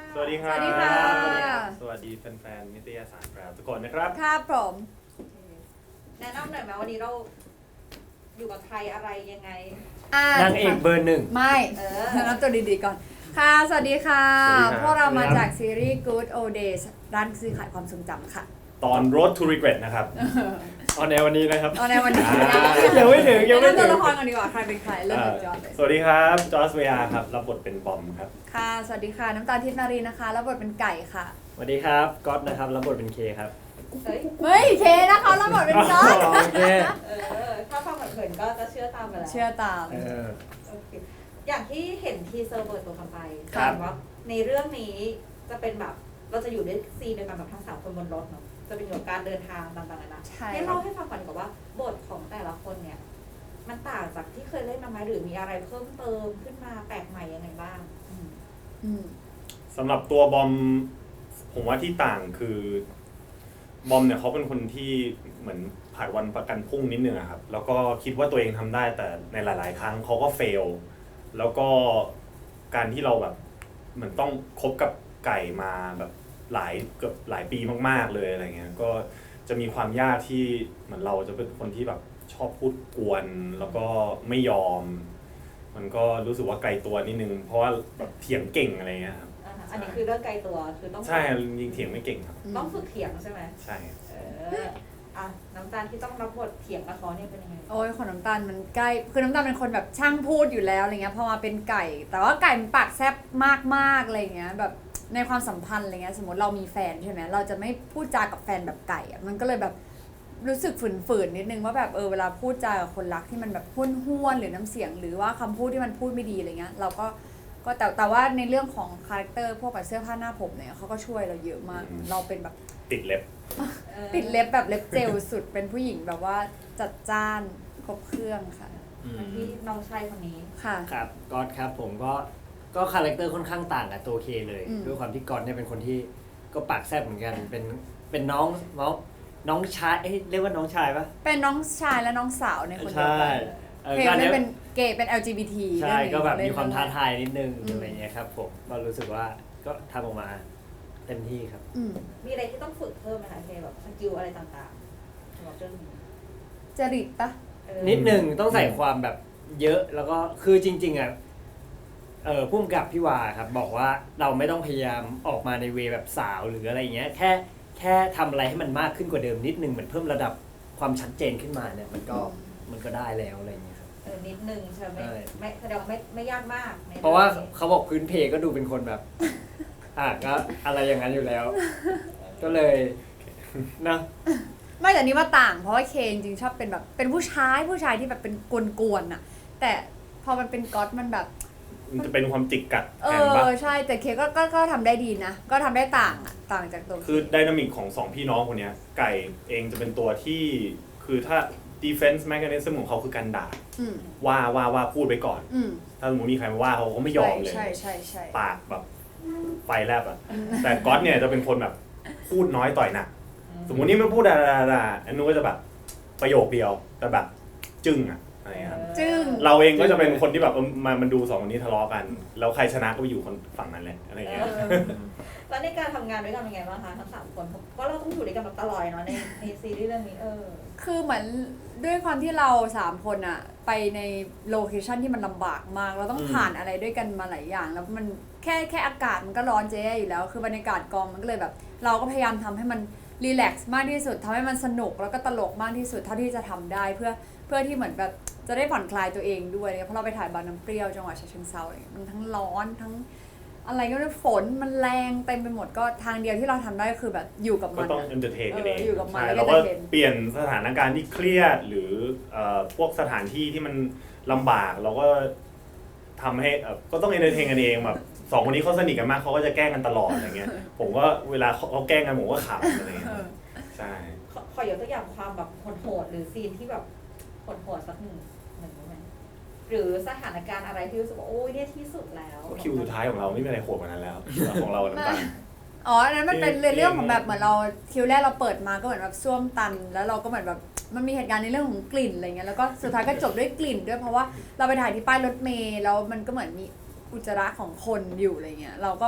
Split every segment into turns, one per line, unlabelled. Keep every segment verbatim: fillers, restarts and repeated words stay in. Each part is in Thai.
สวัสดีครับ
สวัสดีค่ะ
สวัสดีแฟนๆนิตยสารแกรบทุกคนนะครับ
ครับผม
แนะนำหน่อยไหมวันนี้เราอยู่กับใครอะไรยังไง
อ่าน
างเอกเบอร์หนึ่ง
ไม่
เออ
แนะนำตัวดีๆก่อน ค่ะ สวัสดีค่ะ
สวัสดีครับ
พวกเรามาจากซีรีส์ Good Old Days ร้านซื้อขายความทรงจำค่ะ
ตอน Road to Regret นะครับ
ออนแอร์วันนี้นะครับ
เอาในวันนี้
อ่า
ยังไม่ถึงยังไม่
แนะนำ
ถึ
ตัว
ง
ละครกันดีกว่า ใครเป็นใคร เริ่มจากจอร์จเลย
สวัสดีครับ จอร์จเวียครับ รับบทเป็นบอมครับ
ค่ะ สวัสดีค่ะ น้ำตาลทิพย์นารีนะคะ แล้วบทเป็นไก่ค่ะ
สวัสดีครับก๊อตนะครับรับบทเป็นเคครับ
เฮ้ย
เฮ้ย เคนะคะแล้วบทเป็นก๊อต
โอเค
เออ ถ้าฟังเผินๆก็จะเชื่อตามไปแล้ว
เชื่อตาม
เออ
โอเคอย่างที่เห็นทีเซอร์เปิดตัวกันไป
ครับ
ว่าในเรื่องนี้จะเป็นแบบ เราจะอยู่ในซีนเดียวกันแบบทั้งสามคนบนรถเนาะ จะเป็นเกี่ยวกับการเดินทางต่างๆนานา
ใช่
ให้เล่าให้ฟังก่อนดีกว่าว่าบทของแต่ละคนเนี่ย มันต่างจากที่เคยเล่นมาไหมหรือมีอะไรเพิ่มเติมขึ้นมาแปลกใหม่ยังไงบ้างอืม
อืม
สำหรับตัวบอม ผมว่าที่ต่างคือบอมเนี่ยเขาเป็นคนที่เหมือนผ่านวันประกันพรุ่งนิดนึงอะครับ แล้วก็คิดว่าตัวเองทำได้แต่ในหลาย ๆ ครั้งเขาก็เฟล แล้วก็การที่เราแบบเหมือนต้องคบกับไก่มาแบบหลายเกือบหลายปีมาก ๆ เลยอะไรเงี้ย ก็จะมีความยากที่เหมือนเราจะเป็นคนที่แบบชอบพูดกวน แล้วก็ไม่ยอม มันก็รู้สึกว่าไกลตัวนิดนึง เพราะว่าแบบเถียงเก่งอะไรเงี้ยครับ
อ่าฮะอันนี้คือเรื่องไกลตัว คือต้อง
ใช่ยิงเถียงไม่เก่งครับ
ต้องฝึกเถียงใช่ไหม
ใช่
เออ อ่ะ น้ำตาลที่ต้องรับบทเถียงกับเขาเนี่ยเป็นยังไง
โอ้ยของน้ำตาลมันใกล้คือน้ำตาลเป็นคนแบบช่างพูดอยู่แล้วอะไรเงี้ยพอมาเป็นไก่ แต่ว่าไก่มันปากแซบมากๆอะไรเงี้ยแบบในความสัมพันธ์อะไรเงี้ยสมมติเรามีแฟนใช่ไหมเราจะไม่พูดจากับแฟนแบบไก่อะมันก็เลยแบบรู้สึกฝืนๆนิดนึงว่าแบบเออเวลาพูดจากับคนรักที่มันแบบห้วนๆหรือน้ำเสียงหรือว่าคำพูดที่มันพูดไม่ดีอะไรเงี้ยเราก็ก็แต่แต่ว่าในเรื่องของคาแรคเตอร์พวกแบบเสื้อผ้าหน้าผมเนี่ยเขาก็ช่วยเราเยอะมาก เราเป็นแบบ
ติดเล็บ
ติดเล็บแบบเล็บเจลสุดเป็นผู้หญิงแบบว่าจัดจ้านครบเครื่องค่ะ
อืม
ที่น้องชายคนนี้
ค่ะ
ครับก๊อตครับผมก็ก็คาแรคเตอร์ค่อนข้างต่างกับตัวเคเลย
อืม
ด้วยความที่ก๊อตเนี่ยเป็นคนที่ก็ปากแซ่บเหมือนกัน เป็นเป็นน้องน้องน้องชายเอ้ยเรียกว่าน้องชายปะ
เป็นน้องชายและน้องสาวในคนเดียว
ใช่
กัน
เออ
เพล
ก็
ง
อัน
นี้
เนี้ย
เป็นเกย์เป็น แอล จี บี ที
ใช่ก็แบบ
เรื่องนี้
มีความท้าทายนิดนึง
อืม
อะไรเงี้ยครับผมก็รู้สึกว่าก็ทำออกมาเต็มที่ครับ
อืม
มีอะไรที่ต้องฝึกเพิ่มไหมคะเคแบบสกิลอะไรต่างๆสำหรับเรื่องนี้
จริตปะ
เออ
นิดหนึ่งต้องใส่ความแบบเยอะแล้วก็คือจริงๆอ่ะเออพุ่มกับพี่วาครับบอกว่าเราไม่ต้องพยายามออกมาในเวแบบสาวหรืออะไรเงี้ยแค่แค่ทำอะไรให้มันมากขึ้นกว่าเดิมนิดนึงเหมือนเพิ่มระดับความชัดเจนขึ้นมาเนี่ยมันก็มันก็ได้แล้วอะไรเงี้ยครับ
เออนิดนึงใช่ไหม
ใช่
ไม่แสดงว่าไม่ไม่ยากมากใน
เพราะว่า
องนี้
เขาบอกพื้นเพก็ดูเป็นคนแบบ อ่ะก็อะไรอย่างนั้นอยู่แล้ว ก็เลยนะ
ไม่แต่นี่ว่าต่าง เพราะว่าเคจริงๆชอบเป็นแบบเป็นผู้ชายผู้ชายที่แบบเป็นกวนๆน่ะ แต่พอมันเป็นก๊อตมันแบบ
มันจะเป็นความจิกกัด
เอ
แทนปะ
อใช่แต่เคก็ก็ก็ทำได้ดีนะ ก็ทำได้ต่างอ่ะต่างจากตัว
คือไดนามิกของสองพี่น้องคนเนี้ย ไก่เองจะเป็นตัวที่ คือถ้า defense mechanism ของเขาคือการด่า
อืม
ว่าว่าว่าพูดไปก่อน
อืม
ถ้าสมมติมีใครมาว่าเขาก็ไม่ยอมเลย
ใช่ใช่ใช่
ปากแบบไฟแลบอ่ะ แต่ก๊อตเนี่ยจะเป็นคนแบบพูดน้อยต่อยหนัก สมมตินี่ไม่พูดอะไรๆอันนู้นก็จะแบบประโยคเดียว แต่แบบจึ้งอะอะไรเงี้ยครับ
จึ้ง
เราเองก็จะเป็นคนที่แบบเออมามันดูสองคนนี้ทะเลาะกัน แล้วใครชนะก็ไปอยู่คนฝั่งนั้นแหละอะไรเงี้ย
เออแล้วในการทำงานด้วยกันเป็นไงบ้างคะทั้งสามคนเพราะเราต้องอยู่ด้วยกันแบบตลอดเนาะในในซีรีส์เรื่องนี้เออ
คือเหมือนด้วยความที่เราสามคนอะไปในโลเคชันที่มันลำบากมาก เราต้อง
อืม
ผ่านอะไรด้วยกันมาหลายอย่าง แล้วมันแค่แค่อากาศมันก็ร้อนเจ๊อยู่แล้ว คือบรรยากาศกองมันก็เลยแบบ เราก็พยายามทำให้มันรีแลกซ์มากที่สุดทำให้มันสนุกแล้วก็ตลกมากที่สุดเท่าที่จะทำได้เพื่อเพื่อที่เหมือนแบบจะได้ผ่อนคลายตัวเองด้วยเนี่ยเพราะเราไปถ่ายบางน้ำเปรี้ยวจังหวัดฉะเชิงเทราอะไรเงี้ยมันทั้งร้อนทั้งอะไรก็ไม่รู้ฝนมันแรงเต็มไปหมดก็ทางเดียวที่เราทำได้ก็คือแบบอยู่กับ
ก็
มัน
ต้อง
อะ
เอนเตอร์เทนกันเอง
เอออยู่กับมัน
ใช่
แล้วก็
เราก็
entertain
เปลี่ยนสถานการณ์ที่เครียดหรือเอ่อพวกสถานที่ที่มันลำบากเราก็ทำให้เอ่อก็ต้องเอนเตอร์เทนกันเองแบบสองคนนี้เขาสนิทกันมากเขาก็จะแกล้งกันตลอดอะไรเงี้ย ผมก็เวลาเขาแกล้งกันผมก็ขำอะไรเงี้ย
เออ
ใช่
ขอขอยกตัวอย่างความแบบโหดๆหรือซีนที่แบบโหดๆสักหนึ่งหนึ่งได้ไหมหรือสถานการณ์อะไรที่รู้สึกว่าโอ้ยเนี่ยที่สุดแล้ว
ก็คิวสุดท้ายของเราไม่มีอะไรโหดกว่านั้นแล้ว ของเราน้ำตาล
อ๋ออันนั้นมันเป็น
ที่
เรื่องของแบบเหมือนเราคิวแรกเราเปิดมาก็เหมือนแบบส้วมตัน แล้วเราก็เหมือนแบบมันมีเหตุการณ์ในเรื่องของกลิ่นอะไรเงี้ยแล้วก็สุดท้ายก็จบด้วยกลิ่นด้วยเพราะว่าเราไปถ่ายที่ป้ายรถเมล์แล้วมันก็เหมือนมีอุจจาระของคนอยู่อะไรเงี้ยเราก็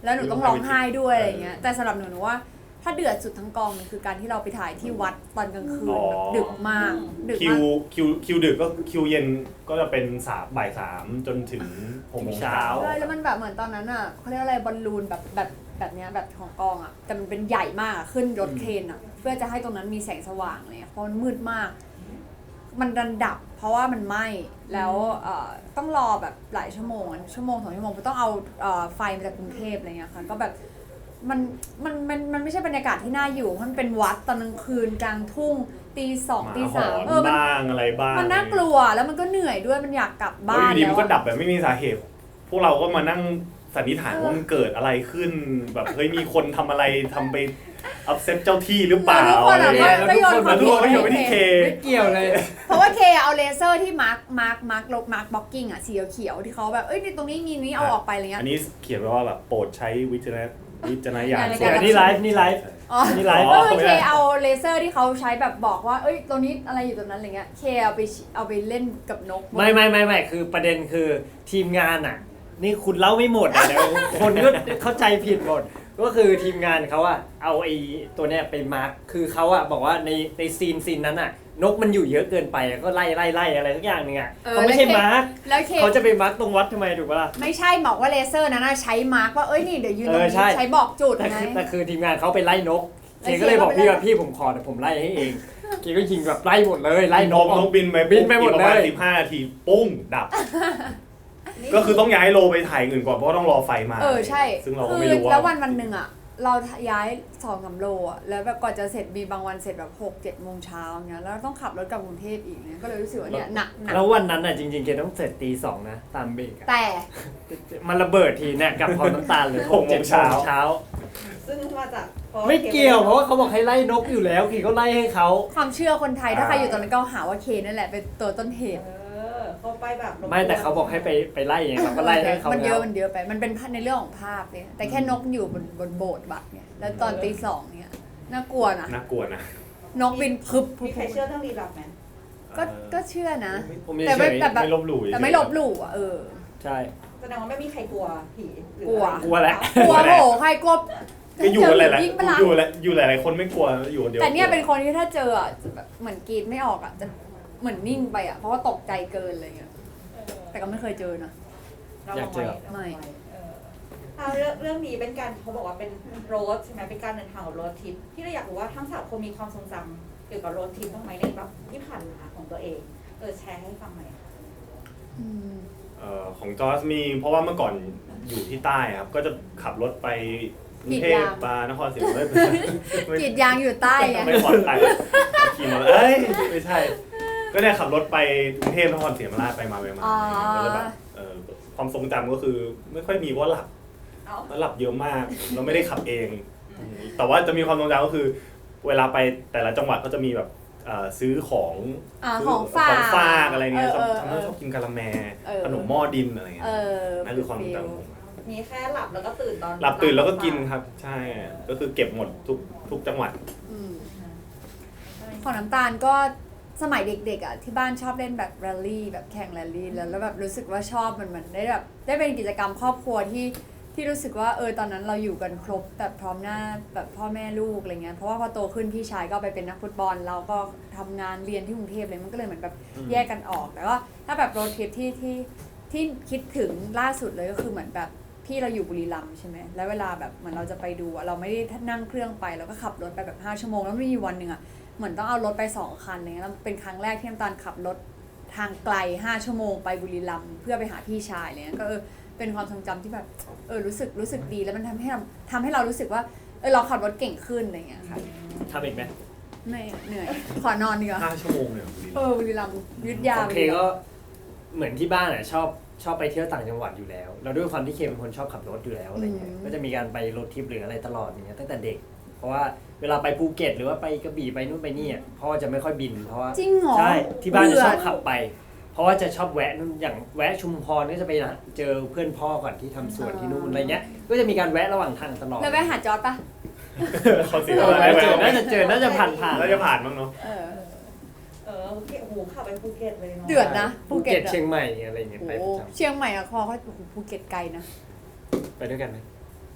แล้วหนูต้องร้องไห้ด้วยอะไรเงี้ยแต่สำหรับหนูหนูว่าถ้าเดือดสุดทั้งกองมันคือการที่เราไปถ่ายที่วัดตอนกลางคืน
อ๋อ
แบบดึกมากดึก
คิ
มาว ก
คิวคิวดึกก็คิวเย็นก็จะเป็นสามบ่ายสามจนถึงหกโมงเช้า
ใช่แล้วมันแบบเหมือนตอนนั้นอ่ะเขาเรียกอะไรบอลลูนแบบแบบแบบเนี้ยแบบของกองอ่ะแต่มันเป็นใหญ่มากอะขึ้นรถเครนอ่ะเพื่อจะให้ตรงนั้นมีแสงสว่างเลยเพราะมันมืดมาก มันดันดับ เพราะว่ามันไหม้แล้วเอ่อต้องรอแบบหลายชั่วโมงอะชั่วโมงสองชั่วโมงต้องเอาเอ่อไฟมาจากกรุงเทพอะไรเงี้ยค่ะก็แบบมันมันมันมันไม่ใช่บรรยากาศที่น่าอยู่เพราะมันเป็นวัดตอนกลางคืนกลางทุ่งตีสอง
หมา
ตี
ห
สา
อ
ม
น
เออมัน
บ้างอะไรบ้าง
มันน่ากลัวแล้วมันก็เหนื่อยด้วยมันอยากกลับ
แล้ว
บ้า
อน ยู่ดีมันก็
แล้ว
ดับแบบไม่มีสาเหตุ พวกเราก็มานั่งสันนิษฐานว่ามันเกิดอะไรขึ้น แบบเฮ้ยมีคนทำอะไรทำไปอัพเซตเจ้าที่หรือเปล่า
แล้วทุกคน
อะไร
อะ
เงี้ย
ก็โยนความ
แล้วทุกคนก็โยนไปที่เค
ไม่เกี่ยวเลย
เพราะว่าเคเอาเลเซอร์ที่มาร์กมาร์กมาร์กลบมาร์กบล็อกกิ้งอ่ะสีเขียวๆที่เขาแบบเอ้ยนี่ตรงนี้มีนี้เอาออกไปอะไรเงี้ย
อันนี้เขียนไว้ว่าแบบโปรดใช้วิจารณวิจารณญาณ
ใน
เดี๋
กา
ยว
ร
นี่ไลฟ์นี่ไลฟ์
อ๋อ
นี่ไลฟ์
ก็คือ
ไม่
เค
ได้
เอาเลเซอร์ที่เขาใช้แบบบอกว่าเอ้ยตรงนี้อะไรอยู่ตรงนั้นอะไรเงี้ยเคเอาไปเอาไปเล่นกับนก
ไม่ไม่ไม่ไม่คือประเด็นคือทีมงานอ่ะ นี่คุณเล่าไม่หมดอ่ะเดี๋ยวคนก็เข้าใจผิดหมด ก็คือทีมงานเขาอะเอาไอ้ตัวเนี้ยไปมาร์คคือเขาอะบอกว่าในในซีนซีนนั้นอะนกมันอยู่เยอะเกินไปก็ไล่ไล่ไล่อะไรสักอย่างหนึงอะ
ออ
เขาไม่ใช่มาร์ค
แล้วเค
เขาจะไปมาร์คตรงวัดทำไมถูกปะล่ะ
ไม่ใช่บอกว่าเลเซอร์นั้นนะใช้มาร์กว่าเอ้ยนี่เดี๋ยวยืนตรง
เออ
นี้
ใช่
ใช้บอกจุด
แต่
ไง
คือแต่คือทีมงานเขาไปไล่นก
แล้
เคว
เค
ก็เลยบอก
ก็ไป
พี่
ไล่
ว่าพี่ผมขอแต่ผมไล่ให้เองเคก็ยิงแบบไล่หมดเลยไล่น
น
ก
กนกบินไป
บินไปหมด
ประมาณ
เลย
สิบห้านาทีปุ้งดับ ก็คือต้องย้ายโลไปถ่ายอื่นก่อนเพราะว่าต้องรอไฟมา
เออใช่
ซึ่งเราก็
คื
ไม่
อ
รู้ว่า
แล้ววันวันหนึ่งอ่ะเราย้ายสองสามโลอ่ะแล้วแบบก่อนจะเสร็จมีบางวันเสร็จแบบหกเจ็ดโมงเช้าเงี้ยแล้วต้องขับรถกลับกรุงเทพอีกเนี่ยก็เลยรู้สึกว่าเนี่ยหนักหนัก
แล้ววันนั้นอะจริงๆเคต้องเสร็จตีสองนะตามเบรกอะ
แต่
มันระเบิดทีเนี่ยกับพร้อมน้ำตาลเลย
หกโมงเช้า
เช้า
ซึ่งมาจากพราะ
ไม่เกี่ยวเพราะว่าเขาบอกให้ไล่นกอยู่แล้วขี่ก็ไล่ให้เขา
ความเชื่อคนไทยถ้าใครอยู่ตรงนั้นก็หาว่าเคนั่นแหละเป็นตัวต้นเหตุ
เออเขาไปแบบรบกวน
ไม่แต่เขาบอกให้ไปไปไล่เองเราก็ไล่ให้เขา
มันเย
แล้
อะ
ว
มันเยอะไปมันเป็นในเรื่องของภาพเนี่ยแต่แค่นกอยู่บนบนโบสถ์วัดเนี่ยแล้วตอนตีสองเนี่ยน่ากลัวนะ
น่ากลัวนะ
นกบินพึบพึ
มี
บ
ใครเชื่อเรื่องลี้ลับไหม
ก็ก็เชื่อนะ
ผม
แต่
เฉ
ไม่
ย
แต่แบบ
ไม่ลบหลู่
แต่ไม่ลบหลู่อ่ะเออ
ๆใช่
แสดงว่าไม่มีใครกลัวผีหรือก
ลัว
กลัวแหละ
กลัวโหใครกลัว
ก็อยู่กันหลาย
ยิ่งปะล่ะ
ๆอยู่หลายอยู่หลายๆคนไม่กลัวอยู่คนเดียว
แต่เนี่ยเป็นคนที่ถ้าเจออ่ะจะแบบเหมือนกรีดไม่ออกอ่ะจะเหมือนนิ่งไปอ่ะเพราะว่าตกใจเกินอะไรเงี้ย
เออ
แต่ก็ไม่เคยเจอนะ
เราลงไว้เราลง
ไม่
ไว้เอออ่าเรื่องเรื่องนี้เป็นการเขาบอกว่าเป็นโรดใช่ไหมเป็นการเดินทางของโรดทริปที่เราอยากรู้ว่าทั้งสามคนมีความทรงจำเกี่ยวกับโรดทริปบ้างไหมในแบบที่ผ่านมาของตัวเองเออแชร์ให้ฟังหน่อยค่ะ
อืม
เอ่อของจอร์จมีเพราะว่าเมื่อก่อนอยู่ที่ใต้ครับ ก็จะขับรถไปกรุงเทพมานครศรีธรรมราชไม่
กรีดยางอยู่ใต้ไง
ไม่ปลอดภัยขี่มอเตอร์เอ้ยไม่ใช่ ก็เนี่ยขับรถไปกรุงเทพนครศรีธรรมราชไปมาไปมา
อ๋อ
ก็เลยแบบเอ่อความทรงจำก็คือไม่ค่อยมีเพราะหลับ
เอ้า
แล้วหลับเยอะมากเราไม่ได้ขับเอง แต่ว่าจะมีความทรงจำก็คือ เวลาไปแต่ละจังหวัดก็จะมีแบบเอ่อซื้อของ
อ่า
ซื้
ของฝาก
ของฝากอะไรเงี้ยชอบ
เออ
ทำ
เอ
ให้
อ
ชอบกินกะละแม
เออ
ขนมหม้อดินอะไร
เอ
เงี้ย
อ
นั่นคือความทรงจำผม
มีแค่หลับแล้วก็ตื่นตอน
หลับตื่นแล้วก็กินครับ ใช่ก็คือเก็บหมดทุกทุกจังหวัด
อืม
ใช่
ของน้ำตาลก็สมัยเด็กๆอ่ะที่บ้านชอบเล่นแบบแรลลี่แบบแข่งแรลลี่แล้วแล้วแบบรู้สึกว่าชอบมันเหมือนได้แบบได้เป็นกิจกรรมครอบครัวที่ที่รู้สึกว่าเออตอนนั้นเราอยู่กันครบแบบพร้อมหน้าแบบพ่อแม่ลูกอะไรเงี้ยเพราะว่าพอโตขึ้นพี่ชายก็ไปเป็นนักฟุตบอลเราก็ทำงานเรียนที่กรุงเทพเลยมันก็เลยเหมือนแบบแยกกันออกแต่ว่าถ้าแบบโรดทริปที่ที่ที่คิดถึงล่าสุดเลยก็คือเหมือนแบบพี่เราอยู่บุรีรัมย์ใช่ไหมแล้วเวลาแบบเหมือนเราจะไปดูอะเราไม่ได้นั่งเครื่องไปเราก็ขับรถไปแบบห้าชั่วโมงแล้วมีวันหนึ่งอะ เหมือนต้องเอารถไปสองคันอะไรเงี้ยแล้วเป็นครั้งแรกที่น้ำตาลขับรถทางไกลห้าชั่วโมงไปบุรีรัมย์เพื่อไปหาพี่ชายอะไรเงี้ยก็เออเป็นความทรงจำที่แบบเออรู้สึกรู้สึกดีแล้วมันทำให้เราทำให้เรารู้สึกว่าเออเราขับรถเก่งขึ้นอะไรเงี้ยค่ะ
ทำอีกไหม
เหนื่อยเหนื่อยขอนอนดีกว่า
ห้าชั่วโมงเนี่ย
เออบุรีรัมย์ยุทธยา
ของเคก็เหมือนที่บ้านอ่ะชอบชอบไปเที่ยวต่างจังหวัดอยู่แล้วแล้วด้วยความที่เคเป็นคนชอบขับรถอยู่แล้วอะไรเงี้ยก็จะมีการไปรถทริปหรืออะไรตลอดอย่างเงี้ยตั้งแต่เด็ก เพราะว่าเวลาไปภูเก็ตหรือว่าไปกระบี่ไปนู่นไปนี่อ่ะพ่อจะไม่ค่อยบินเพราะว่า
จริงเหรอ
ใช่ที่บ้านจะชอบ
เบื่
ขับไป เพราะว่าจะชอบแวะนู่นอย่างแวะชุมพรก็จะไปเจอเพื่อนพ่อก่อนที่ทำสวนที่นู่นอะไรเงี้ยก็จะมีการแวะระหว่างทางตลอด
แล้วไปหาจอร์ดปะ
เขาเสีย
เอ
อะไร
อ
ไป
เจอน่าจะเจอน่าจะผ่านผ่าน
น่าจะผ่านบ้างเนาะ
เออ
เออโอเคโอ้โหขับไปภูเก็ตเลยเนาะ
เดือดนะ
ภู
ภูเก็
เก็
ต
ต
อะ
เชียงใหม่อะไรเงี้ย
โอ้
ไป
โห
ประจ
เชียงใหม่อะคอเขาโอ้โหภูเก็ตไกลนะ
ำไปด้วยกันไหม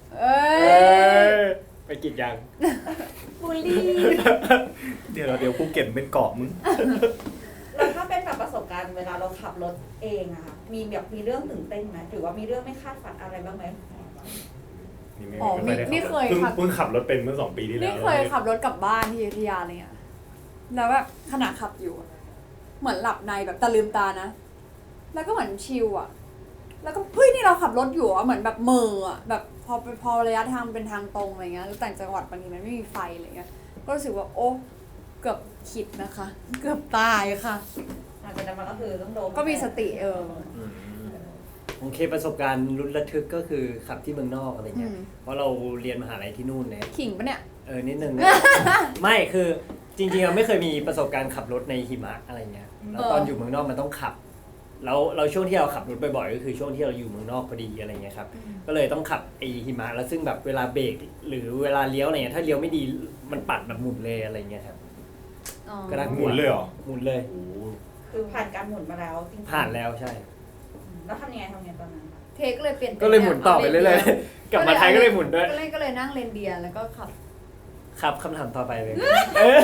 เอ้
เอย อไปกรีดยาง
บูลลี่
เดี๋ยวเดี๋ยวภูเก็ตเป็นเกาะมึง
แล้วถ้าเป็นแบบประสบการณ์เวลาเราขับรถเองอะค่ะมีแบบมีเรื่องตื่นเต้นไหมหรือว่ามีเรื่องไม่คาดฝันอะไรบ้างไหม
นี่ไม่
อ๋อ
ไม่ได้
นี่
ขับ
เคย
เพิ่ง
ขับ
เพิ่งขับรถเป็นเมื่อสองปีที่แล้ว
นี่เคยขับรถกลับบ้านที่อยุธยาอะไรเงี้ยแล้วแบบขณะขับอยู่อะเหมือนหลับในแบบแต่ลืมตานะ แล้วก็เหมือนชิลอะแล้วก็เฮ้ยนี่เราขับรถอยู่อะเหมือนแบบเมออะแบบพอพอระยะทางเป็นทางตรงอะไรเงี้ยแล้วต่างจังหวัดบางทีมันไม่มีไฟอะไรเงี้ยก็รู้สึกว่าโอ้เกือบขิดนะคะ เกือบตายค่ะ
หลังจากนั้นมันก็คือต้องโดน
ก็มีสติเออ
อืม
โอเคประสบการณ์ลุ้นระทึกก็คือขับที่เมืองนอกอะไรเงี้ย
อืม
เพราะเราเรียนมหาลัยที่นู่นเนี่ย
ขิงปะเนี่ย
เออนิดนึง ไม่คือจริงๆเราไม่เคยมีประสบการณ์ขับรถในหิมะอะไรเงี้ยแล้วตอนอยู่เมืองนอกมันต้องขับแล้วเราช่วงที่เราขับรถบ่อยๆก็คือช่วงที่เราอยู่เมืองนอกพอดีอะไรเงี้ยครับก็เลยต้องขับไอหิมะแล้วซึ่งแบบเวลาเบรกหรือเวลาเลี้ยวอะไรเงี้ยถ้าเลี้ยวไม่ดีมันปัดแบบหมุนเลยอะไรเงี้ยครับ
อ๋อ
ก็ได้
หมุนเลยเหรอ
หมุนเลย
โอ้โห
คือผ่านการหมุนมาแล้วจริงๆ
ผ่านแล้วใช่
แล้วทำยังไงทำยังไงตอนนั้นคะ
เทคเลยเปลี่ยน
ก็เลยหมุนต่อไปเรื่อยๆกลับมาไทยก็เลยหมุนด้วย
ก็เลยก็เลยนั่งเลนเดียร์แล้วก็ขับ
ครับคำถามต่อไปเลยเออ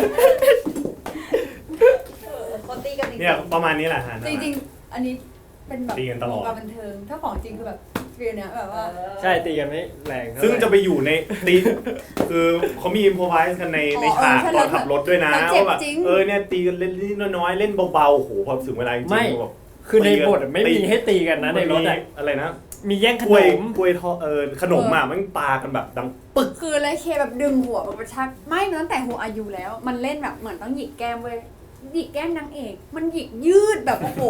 เออคนตีกันจริงๆ
เนี่ยประมาณนี้แหละฮะ
จริงๆ อันนี้เป็นแบบ
ตีกันตลอด
วงการบันเทิง ถ้าของจริงคือแบบฟีลเนี้ยแบบว่า
เออ
ใช่ตีกันไม่แรงเท่าไหร่
ซึ่งจะไปอยู่ในตีคือเขามีอิมพอไวส์กันใน
อ๋อ
ในฉาก
เออใช่
ตอนขับรถด้วยนะ
มันเจ็บ
ว่าแบบ
จริง
เออเนี่ยตีกันเล่นนิดน้อยๆเล่นเบาๆโอ้โหพอถึงเวลาจริง
ไม่
ๆแบบ
คือในบทอะไม่มีให้ตีกันนะในรถอะ
มีอะไรนะ
มีแย่งข
ก
น
ล้วย
ม
กล้วยทอดเออขนมอ่ะมันปากันแบบดังปึ๊ก
คือเลยเคแบบดึงหัวแบบกระชักไม่มันตั้งแต่หัวอายุแล้ว มันเล่นแบบเหมือนต้องหยิกแก้มเว้ยหยิกแก้มนางเอก มันหยิกยืดแบบโอ้โห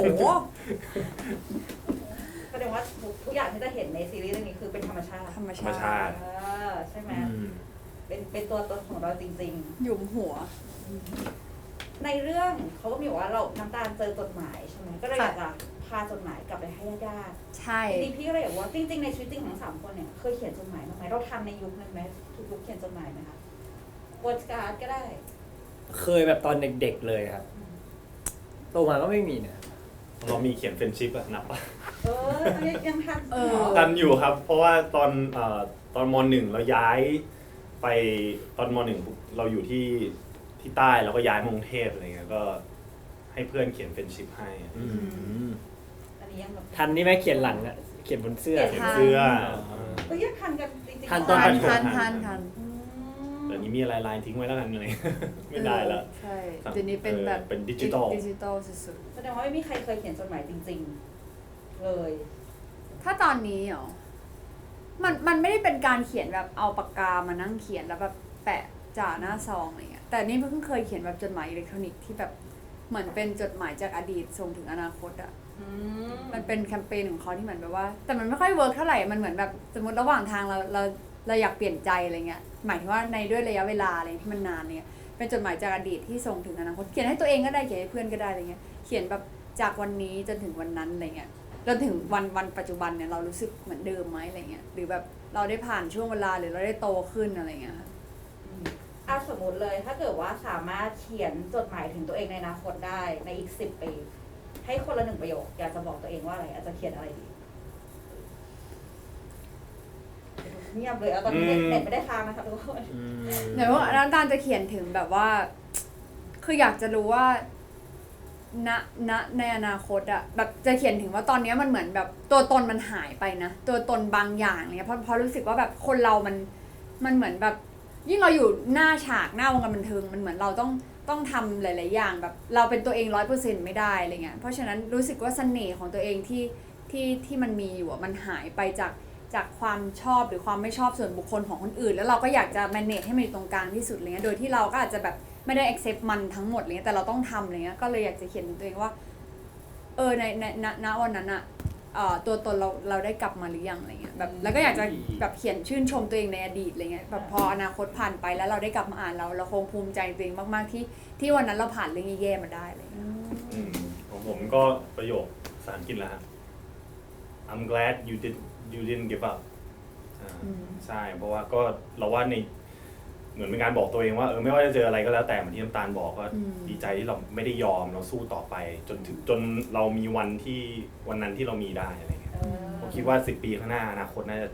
แสดงว่าทุกอย่างที่จะเห็นในซีรีส์เรื่องนี้คือเป็นธรรมชาติ
ธรรม
ธรรม
ชา
ชา
ติ
ติ
เออใช่ไหม
อืม
เป็นเป็นตัวตนของเราจริง
หยุมหัว
ๆ ในเรื่องเขาก็มีบอกว่าเราน้ำตาลเจอจดหมายใช่ไหมก็เลยอยากจะพาจดหมายกลับไปให้ญาติ
ใช่
ๆทีนี้พี่ก็เลยอยากว่าจริงๆในชีวิตจริงของสามคนเนี่ยเคยเขียนจดหมายบ้างไหมเราทันในยุคนั้นไหมทุกยุคเขียนจดหมายไหมคะวอดการ์ดก็ได้
เคยแบบตอนเด็กๆเลยครับโตมาก็ไม่มีนะ
เรามีเขียนเฟรนชิพอะนับปะ
เอออันนี้ยังทัน
เออ
หรอ
ทันอยู่ครับ เพราะว่าตอนเอ่อตอนมหนึ่งเราย้ายไปตอนมหนึ่งเราอยู่ที่ที่ใต้แล้วก็ย้ายมากรุงเทพอะไรเงี้ยก็ให้เพื่อนเขียนเฟรนชิพให้อืม
อันนี้ยังแบบ
ทันนี่ไหมเขียนหลังอะเขียนบนเสื้อ
เขี
เขี
ย
ย
น
นเสื้อ
เอ้ยยังทันกันจริงๆ
ทันตอน
ทั
ป
น
ระถม
ทันทันทัน
อืม
เดี๋ยวนี้มีอะไรไลน์ทิ้งไว้แล้วกันเลย ไม่ได้แล้ว
ใช่เดี๋ยวนี้เป็นแบบ
เออเป็นดิจิทัล
ดิจิตอลสุด
แสดงว่าไม่มีใครเคยเขียนจดหมายจริง ๆ เลย
ๆ ถ้าตอนนี้เหรอ มันมันไม่ได้เป็นการเขียนแบบเอาปากกามานั่งเขียนแล้วแบบแปะจ่าหน้าซองอะไรเงี้ย แต่นี่เพิ่งเคยเขียนแบบจดหมายอิเล็กทรอนิกส์ที่แบบเหมือนเป็นจดหมายจากอดีตส่งถึงอนาคตอะ
อืม
มันเป็นแคมเปญของเขาที่เหมือนแบบว่า แต่มันไม่ค่อยเวิร์กเท่าไหร่ มันเหมือนแบบสมมติระหว่างทางเราเราเราอยากเปลี่ยนใจอะไรเงี้ย หมายถึงว่าในด้วยระยะเวลาอะไรที่มันนานเนี่ย เป็นจดหมายจากอดีตที่ส่งถึงอนาคต เขียนให้ตัวเองก็ได้ เขียนให้เพื่อนก็ได้อะไรเงี้ย เขียนแบบจากวันนี้จนถึงวันนั้นอะไรเงี้ย จนถึงวันวันปัจจุบันเนี่ยเรารู้สึกเหมือนเดิมไหมอะไรเงี้ย หรือแบบเราได้ผ่านช่วงเวลาหรือเราได้โตขึ้นอะไรเงี้ยค่ะ
อืมอ่ะสมมติเลยถ้าเกิดว่าสามารถเขียนจดหมายถึงตัวเองในอนาคตได้ในอีกสิบปี ให้คนละหนึ่งประโยค อยากจะบอกตัวเองว่าอะไร อาจจะเขียนอะไรดีเงียบเลยเอาตอนนี้เน็ต
อืม
เน็ตไม่ได้ค้างนะคะทุกคน
อืม
เดี๋ยวว่าน้ำตาลจะเขียนถึงแบบว่า คืออยากจะรู้ว่า ณ ณ ในอนาคตอะแบบจะเขียนถึงว่าตอนนี้มันเหมือนแบบตัวตนมันหายไปนะ ตัวตนบางอย่างอะไรเงี้ยเพราะเพราะรู้สึกว่าแบบคนเรามัน มันเหมือนแบบ ยิ่งเราอยู่หน้าฉากหน้าวงการบันเทิงมันเหมือนเราต้องต้องทำหลาย ๆ อย่าง แบบเราเป็นตัวเองร้อยเปอร์เซ็นต์ไม่ได้อะไรเงี้ย เพราะฉะนั้นรู้สึกว่าเสน่ห์ของตัวเองที่ที่ที่มันมีอยู่อะมันหายไปจากจากความชอบหรือความไม่ชอบส่วนบุคคลของคนอื่น แล้วเราก็อยากจะ manage ให้มันอยู่ตรงกลางที่สุดอะไรเงี้ย โดยที่เราก็อาจจะแบบไม่ได้ accept มันทั้งหมดอะไรเงี้ย แต่เราต้องทำอะไรเงี้ย ก็เลยอยากจะเขียนถึงตัวเองว่า เออในในณณวันนั้นอะเอ่อตัวตนเราเราได้กลับมาหรือยังอะไรเงี้ยแบบแล้วก็อยากจะแบบเขียนชื่นชมตัวเองในอดีตอะไรเงี้ยแบบพออนาคตผ่านไปแล้วเราได้กลับมาอ่านเราเราคงภูมิใจตัวเองมากๆที่ที่วันนั้นเราผ่านเรื่องแย่ๆมาได้อะไรเงี้ย
อืมของผมก็ประโยคภาษาอังกฤษแล้วฮะ I'm glad you did you didn't give up อ่า
อืม
ใช่เพราะว่าก็เราว่าในเหมือนเป็นการบอกตัวเองว่าเออไม่ว่าจะเจออะไรก็แล้วแต่เหมือนที่น้ำตาลบอกก็
อืม
ดีใจที่เราไม่ได้ยอมเราสู้ต่อไป จนถึงจนเรามีวันที่วันนั้นที่เรามีได้อะไรเงี้ย
เออ
ผมคิดว่าสิบปีข้างหน้าอนาคตน่าจะ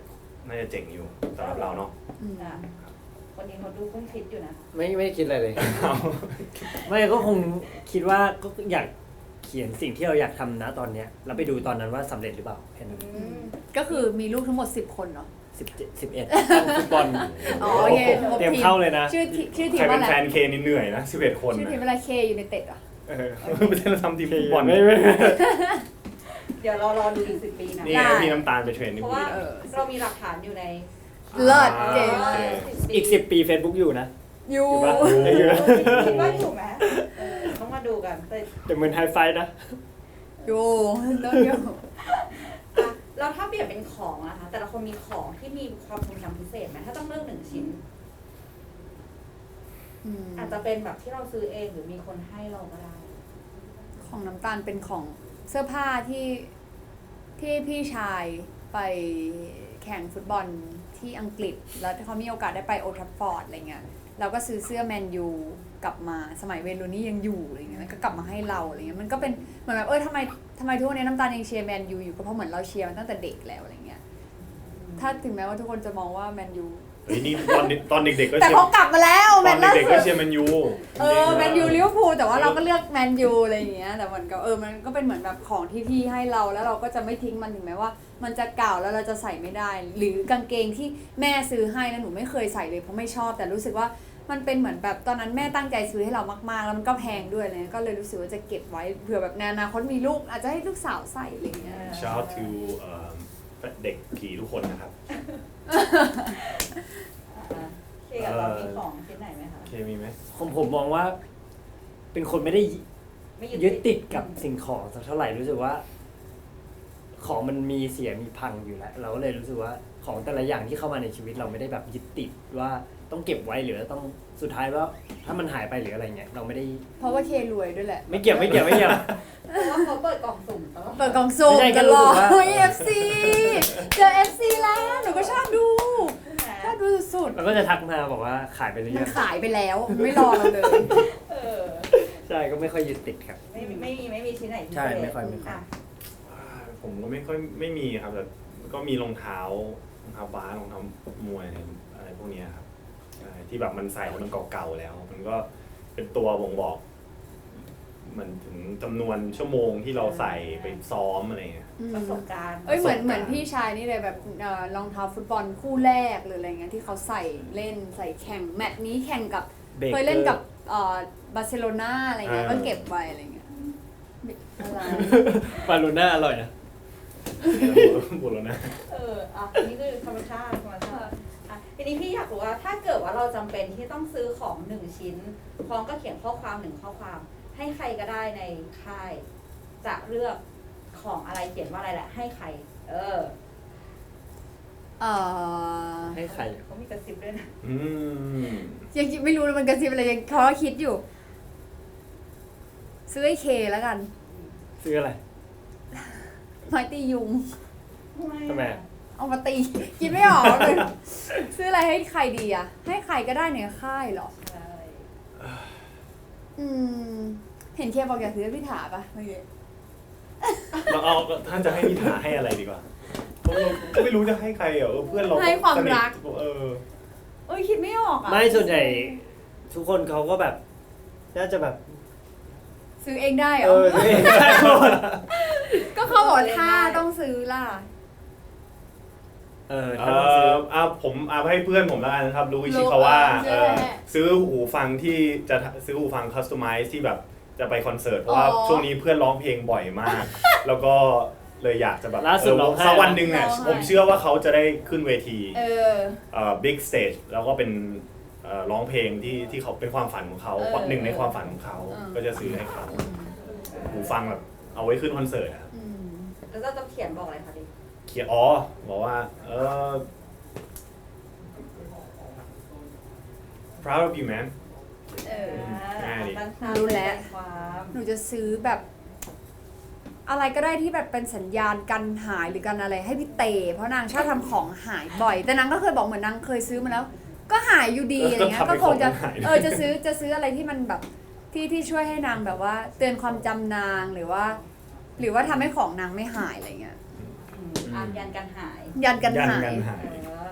น่าจะเจ๋งอยู่สำหรับเราเนาะ
อืม
อ่ะวันนี้เขาดูคุ้มคิดอยู่นะ
ไม่ไม่คิดอะไรเลย ไม่ก็คงคิดว่าก็อยากเขียนสิ่งที่เราอยากทำนะตอนเนี้ยแล้วไปดูตอนนั้นว่าสำเร็จหรือเปล่าแค่นั้น
อืม
ก็คือมีลูกทั้งหมดสิบคนเนาะ
สิบเจ็ดสิบเอ็ดฟุตบอล
อ๋อโอเค
เตรียมเข้าเลยนะ
ชื่อทีชื่อที
ใคร
ม
เป็
ว่าน อะไร
แฟนเคนี่เหนื่อยนะสิบเอ็ดคน
ชื่อ
นะ
ทีมอะไรเคอยู่ในเต็ดอ่ะ
เออไม่ใช่เราทำทีมฟุตบอล
ไม่ไม่ไม่
เดี๋ยวเรารอดูอีกสิบปีนะ
นี่ไงพี่น้ำตาลไปเทรนนี่
เพราะ
พูด
ว่า
นะ
เออ
เรามีหลักฐานอยู่ใน
เลิศ
อ่า
เก่ง
โอเค
อีกสิบปี Facebook อยู่นะ
อยู่
อยู่ปะ
คิดว่าอยู่ไหมเออต้องมาดูกันแต่
แต่เหมือนไฮไฟนะ
อยู่ต้องอยู่
อ่ะแล้วถ้าเปลี่ยนเป็นของนะคะแต่ละคนมีของที่มีความทรงจำพิเศษไหมถ้าต้องเลือกหนึ่งชิ้น
อืม
อาจจะเป็นแบบที่เราซื้อเองหรือมีคนให้เราก็ได้
ของน้ำตาลเป็นของเสื้อผ้าที่ที่พี่ชายไปแข่งฟุตบอลที่อังกฤษ แล้วเขามีโอกาสได้ไปโอลด์แทราฟฟอร์ดอะไรเงี้ยเราก็ซื้อเสื้อแมนยูกลับมาสมัยเวย์นรูนี่ยังอยู่อะไรเงี้ยแล้วก็กลับมาให้เราอะไรเงี้ยมันก็เป็นเหมือนแบบเออทำไมทำไมทุกวันนี้น้ำตาลยังเชียร์แมนยูอยู่ก็เพราะเหมือนเราเชียร์มันตั้งแต่เด็กแล้วอะไรเงี้ยถ้าถึงแม้ว่าทุกคนจะมองว่าแมนยู
เฮ้ยนี่ตอนตอนเด็กๆก็
แต่
เชีย
เขา
ร์
กลับมาแล้ว
ต
แม
อน
นล่า
เด็กๆ
สุ
ก็
ด
เชียร์แมนยู
เออแมนยูลิเวอร์พูลแต่ว่าเราก็เลือกแมนยูอะไรอย่างเงี้ยแต่มันก็เออมันก็เป็นเหมือนแบบของที่พี่ให้เราแล้วเราก็จะไม่ทิ้งมันถึงแม้ว่า มันจะเก่าแล้วเราจะใส่ไม่ได้ หรือกางเกงที่แม่ซื้อให้แล้วหนูไม่เคยใส่เลยเพราะไม่ชอบ แต่รู้สึกว่ามันเป็นเหมือนแบบตอนนั้นแม่ตั้งใจซื้อให้เรามากๆแล้วมันก็แพงด้วยเลยก็เลยรู้สึกว่าจะเก็บไว้เผื่อแบบในอนาคตมีลูกอาจจะให้ลูกสาวใส่อะไรอย่างเงี้ย
Shout out to เอ่อเด็กผีทุกคนนะครับ
อ่ะเคกับเรามีของชิ้นไหนไหมคะ
โอเคมีไหม
ผมผมมองว่า เป็นคนไม่ได้
ไม่
ยึดติดกับสิ่งของสักเท่าไหร่รู้สึกว่า ของมันมีเสียมีพังอยู่แล้ว เราก็เลยรู้สึกว่าของแต่ละอย่างที่เข้ามาในชีวิตเราไม่ได้แบบยึดติดว่าต้องเก็บไว้หรือต้องสุดท้ายว่าถ้ามันหายไปหรืออะไรเงี้ยเราไม่ได้
เพราะว่าเครวยด้วยแหละ
ไม่เกี่ยวไม่เกี่ยวไม่เกี่ยว
เพราะว่าเขาเปิดกล่องสุ่มตลอด
เปิดกล่องสุ่ม
ไม่ใช่
ต
ก็รู้
ลอ
สึ
ด
กว่า
เฮ้ย เอฟ ซี เจอ เอฟ ซี แล้วหนูก็ชอบดู
ใช่ไหม
ชอบดูสุด
มันก็จะทักมาบอกว่าขายไปหรือ
มั
ยั
น
ง
ขายไปแล้วไม่รอเราเลย
เออ
ใช่ก็ไม่ค่อยยึดติดครับ
ไม่มีไม่มีไม่มีชิ้นไหนพิเศษ
ใช่ไม่ค่อยไม่ค่อย
ะ
อ่าผมก็ไม่ค่อยไม่มีครับแต่ก็มีรองเท้ารองเท้าบาสรองเท้ามวยอะไรพวกเนี้ยครับใช่ที่แบบมันใส่แล้วมันเก่าๆแล้ว มันก็เป็นตัวบ่งบอกเหมือนถึงจำนวนชั่วโมงที่เราใส่ไปซ้อมอะไรเงี้ย
ประสบการณ์
เอ้ยเหมือน
ประสบการณ์
เหมือนพี่ชายนี่เลยแบบเอ่อรองเท้าฟุตบอลคู่แรกหรืออะไรเงี้ยที่เขาใส่เล่นใส่แข่งแมตช์นี้แข่งกับ
เบรก
เคยเล่นกับเอ่อบาร์เซโลนาอะไรเงี้ยก็เก็บไว้อะไรเงี้ยอะไร
บาลูน่าอร่อยนะ
บุรณะ
เอออ่ะอันนี่คือธรรมชาติธรรมชาติอ่ะทีนี้พี่อยากรู้ว่าถ้าเกิดว่าเราจำเป็นที่ต้องซื้อของหนึ่งชิ้นพร้อมก็เขียนข้อความหนึ่งข้อความ ให้ใครก็ได้ในค่าย จะเลือกของอะไรเขียนว่าอะไรแหละ ให้ใคร เออ
เอ่อ
ให้ใคร
เขามีกระซิบด้วยนะ
อืม
ยังไม่รู้เลยมันกระซิบอะไรยังเขาก็คิดอยู่ ซื้อให้เคแล้วกัน
ซื้ออะไร
ไม้ตียุง
ทำไม
เอามาตี คิดไม่ออกเลยซื้ออะไรให้ใครดีอะให้ใครก็ได้ในค่ายเหรอ
ใช่
อืม เห็นเคบอกอยากซื้อให้พี่ถาปะเมื่อกี้
เราเอาท่านจะให้นิถาให้อะไรดีกว่าเพราะเราก็ไม่รู้จะให้ใครอ่ะเออเพื่อนเรา
ให้ความ
สนิท
รัก
เออ
เอ้ยคิดไม่ออกอะ
ไม่ส่วนใหญ่ทุกคนเขาก็แบบน่าจะแบบ
ซื้อเองได้เหร
เอ
อ
อตัวเองได้หมด
ก็เขาบอกถ้าต้องซื้อล่ะ
เออ
เอ
ถ้าต้องซื้อ
อเอาผมเอาให้เพื่อนผมแล้วกันนะครับรู้อิชิคาว่า
เออ
เออ
ใช่
ซื้อหูฟังที่จะซื้อหูฟังคัสตอมไมซ์ที่แบบจะไปคอนเสิร์ตเพราะว่า
อ๋อ
ช่วงนี้เพื่อนร้องเพลงบ่อยมาก แล้วก็เลยอยากจะแบบ
ล่าสุด
เออ
ร้องไห้
สักวันหนึ่งเนี่ย
ร้องไห้
ผมเชื่อว่าเขาจะได้ขึ้นเวที
เออ
เอ่อบิ๊กสเตจแล้วก็เป็นเอ่อร้องเพลงที่ที่เขาเป็นความฝันของเขา
เออ
หนึ่งในความฝันของเขา
เออ
ก็จะซื้อให้เขาหูฟังแบบเอาไว้ขึ้นคอนเสิร์ตอะ
อืม
แล้วเราจะเขียนบอกอะไรคะดิ
เขียนอ๋อบอกว่าเออ proud of you man
เออ
ง่ายดิ
สั้นๆ
รู้แล้ว
เป็นความ
หนูจะซื้อแบบ อะไรก็ได้ที่แบบเป็นสัญญาณกันหายหรือกันอะไรให้พี่เตเพราะนางชอบทำของหายบ่อย แต่นางก็เคยบอกเหมือนนางเคยซื้อมาแล้ว ก็หายอยู่ดีอะไรเงี้ย
ก็
ก็
ทำให้
คงจะ
ของหาย
เออจะซื้อจะซื้ออะไรที่มันแบบที่ที่ช่วยให้นางแบบว่า เตือนความจำนางหรือว่า หรือว่าทำให้ของนางไม่หายอะไรเงี้ย
อืมอ่ะยันกันหาย
ยันกัน
ยัน
หา
กั
ย
นหาย
เออ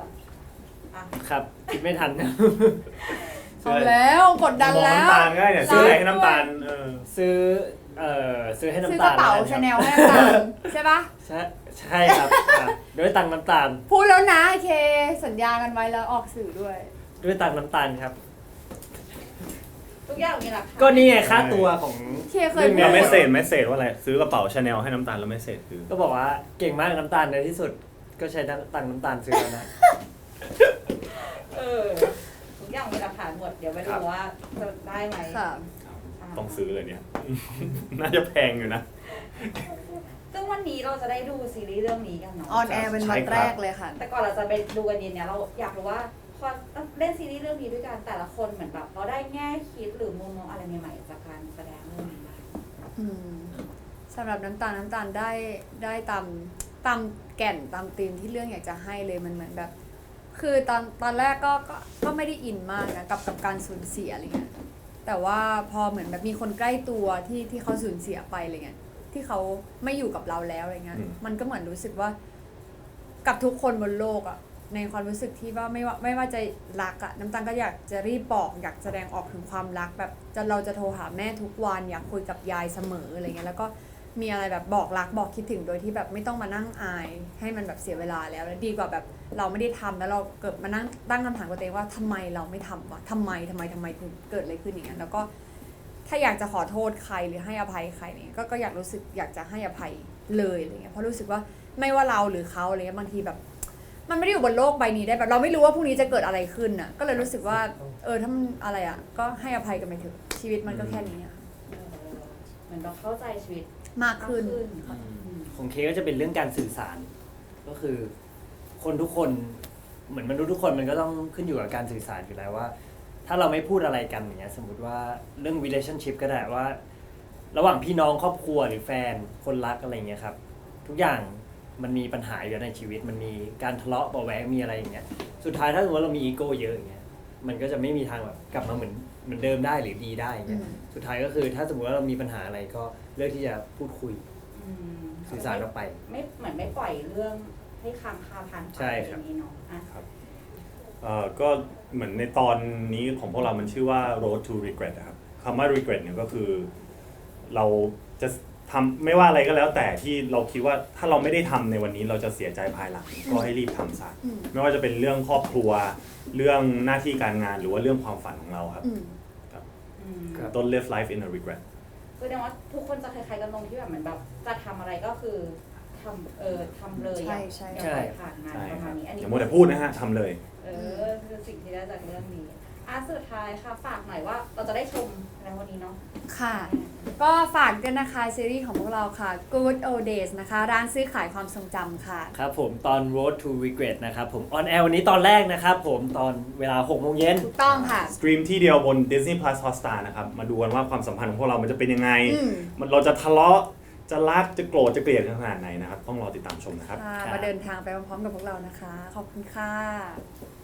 ครับคิดไม่ทัน
เอาแล้วกดดัน
มอง
แล้ว
น้ำตาลง่ายเนี่ยซื้ออะไรให้น้ำตาลเออ
ซื้อเอ่อซื้อให้
ซื้อ
น้ำ
ก
ตา
ระ
ล
เป๋า
แล้ว
ชา
กัน
แน
ครับ
ลให้น้ำตาลใช่ปะ
ใช่ใช่ครับอ่ะด้วยตังค์น้ำตาล
พูดแล้วนะโอเค สัญญากันไว้แล้วออกสื่อด้วย
ด้วยตังค์น้ำตาลครับ
ทุกอย่างมีหลักฐาน
ก็นี่ไงค่าตัวของ
เคเคย
รื่อง
พู
เรา
ด
ไม่เสจไม่เสจว่าอะไรซื้อกระเป๋าชาแนลให้น้ำตาลแล้วไม่เสจคือ
ก็บอกว่าเก่งมากน้ำตาลในที่สุด ก็ใช้ตังค์น้ำตาลซื้อแล้วนะ
เออทุกอย่างมีหลักฐานหมดเดี๋ยวไปดูว่าจะได้ไหม
ค่ะ
า
ต้องซื้อเลยเนี่ย น่าจะแพงอยู่นะ
ซึ่งวันนี้เราจะได้ดูซีรีส์เรื่องนี้กันเนาะ
ออนแอร์เป็นวันแรกเลยค่ะ
แต่ก่อนเราจะไปดูกันดีเนี่ยเราอยากรู้ว่าพอเล่นซีรีส์เรื่องนี้ด้วยกันแต่ละคนเหมือนแบบเราได้แง่คิดหรือมุมมองอะไรใหม่ๆจากการแสดงเรื่องนี้บ้าง
อืมสำหรับน้ำตาลน้ำตาลได้ได้ตามตามแก่นตามธีมที่เรื่องอยากจะให้เลยมันเหมือนแบบ คือตอนตอนแรกก็ก็ก็ไม่ได้อินมากนะกับกับการสูญเสียอะไรเงี้ยแต่ว่าพอเหมือนแบบมีคนใกล้ตัวที่ที่เขาสูญเสียไปอะไรเงี้ยที่เขาไม่อยู่กับเราแล้วอะไรเงี้ย
อืม
มันก็เหมือนรู้สึกว่ากับทุกคนบนโลกอะในความรู้สึกที่ว่าไม่ว่าไม่ว่าจะรักอะน้ำตาลก็อยากจะรีบบอกอยากแสดงออกถึงความรักแบบจะเราจะโทรหาแม่ทุกวันอยากคุยกับยายเสมออะไรเงี้ยแล้วก็มีอะไรแบบบอกรักบอกคิดถึงโดยที่แบบไม่ต้องมานั่งอายให้มันแบบเสียเวลาแล้วแล้วดีกว่าแบบเราไม่ได้ทำแล้วเราเกิดมานั่งตั้งคำถามกับตัวเองว่าทำไมเราไม่ทำวะทำไมทำไมทำไมถึงเกิดอะไรขึ้นอย่างเงี้ยแล้วก็ถ้าอยากจะขอโทษใครหรือให้อภัยใครเนี่ยก็ก็อยากรู้สึกอยากจะให้อภัยเลยอะไรเงี้ยเพราะรู้สึกว่าไม่ว่าเราหรือเขาอะไรเงี้ยบางทีแบบ มันไม่ได้อยู่บนโลกใบนี้ได้แบบเราไม่รู้ว่าพรุ่งนี้จะเกิดอะไรขึ้นน่ะก็เลยรู้สึกว่าเออถ้ามันอะไรอ่ะก็ให้อภัยกันไปเถอะชีวิตมันก็แค่นี้อะค่ะ
เออเหมือนเราเข้าใจชีวิต
มากขึ้น
มากอืม
ของเคก็จะเป็นเรื่องการสื่อสาร ก็คือ คนทุกคนเหมือนมนุษย์ทุกคนมันก็ต้องขึ้นอยู่กับการสื่อสารอยู่แล้วว่า ถ้าเราไม่พูดอะไรกันอย่างเงี้ยสมมติว่าเรื่อง relationship ก็ได้ว่า ระหว่างพี่น้องครอบครัวหรือแฟนคนรักอะไรเงี้ยครับ ทุกอย่างมันมีปัญหาอยู่ในชีวิต มันมีการทะเลาะเบาะแวงมีอะไรอย่างเงี้ยสุดท้ายถ้าสมมติว่าเรามีอีโก้เยอะอย่างเงี้ยมันก็จะไม่มีทางแบบกลับมาเหมือนเหมือนเดิมได้หรือดีได้อย่างเงี้ย
อืม
สุดท้ายก็คือถ้าสมมติว่าเรามีปัญหาอะไรก็เลือกที่จะพูดคุย
อืม
สื่อสารออกไป
ไม่เหมือนไม่ปล่อยเรื่องให้ค้างคาพันไป
ใช่ครับ
อย่างนี้เนาะอ่ะ
เอ่อก็เหมือนในตอนนี้ของพวกเรามันชื่อว่า road to regret นะครับคำว่า regret เนี่ยก็คือเราจะทำไม่ว่าอะไรก็แล้วแต่ที่เราคิดว่าถ้าเราไม่ได้ทำในวันนี้เราจะเสียใจภายหลังก็ให้รีบทำซะ
อืม
ไม่ว่าจะเป็นเรื่องครอบครัวเรื่องหน้าที่การงานหรือว่าเรื่องความฝันของเราครับ
อืม
อืม
ครับ
don't live life in a regret
แสดงว่าทุกคนจะคล้ายๆกันตรงที่แบบเหมือนแบบจะทำอะไรก็คือทำเออทำเลย
ใช่
อะ
ใช่
อย่าปล่อยผ่านงาน
ใช่
ประ
ค
มา
รั
ณ
บ
นี้อัน
อ
นี้
ย่ามัวแต่พูดนะฮะทำเลย
เออคือสิ่งที่ได้จากเรื่องนี้อ่ะสุดท้ายค่ะฝากหน่อยว่าเราจะได้ชมในวันนี้เนาะ
ค่ะ ก็ฝากด้วยนะคะซีรีส์ของพวกเราค่ะ Good Old Days นะคะ ร้านซื้อขายความทรงจำค่ะ
ครับผมตอน Road to Regret นะครับผมออนแอร์วันนี้ตอนแรกนะครับผมตอนเวลาหกโมงเย็น
ถูกต้องค่ะ
สตรีมที่เดียวบน Disney Plus Hotstar นะครับมาดูกันว่าความสัมพันธ์ของพวกเรามันจะเป็นยังไง
อืม
มันเราจะทะเลาะจะรักจะโกรธจะเกลียดกันขนาดไหนนะครับต้องรอติดตามชมนะครับ
ค่ะ
ครับ
มาเดินทางไปพร้อมๆกับพวกเรานะคะ ขอบคุณค่ะ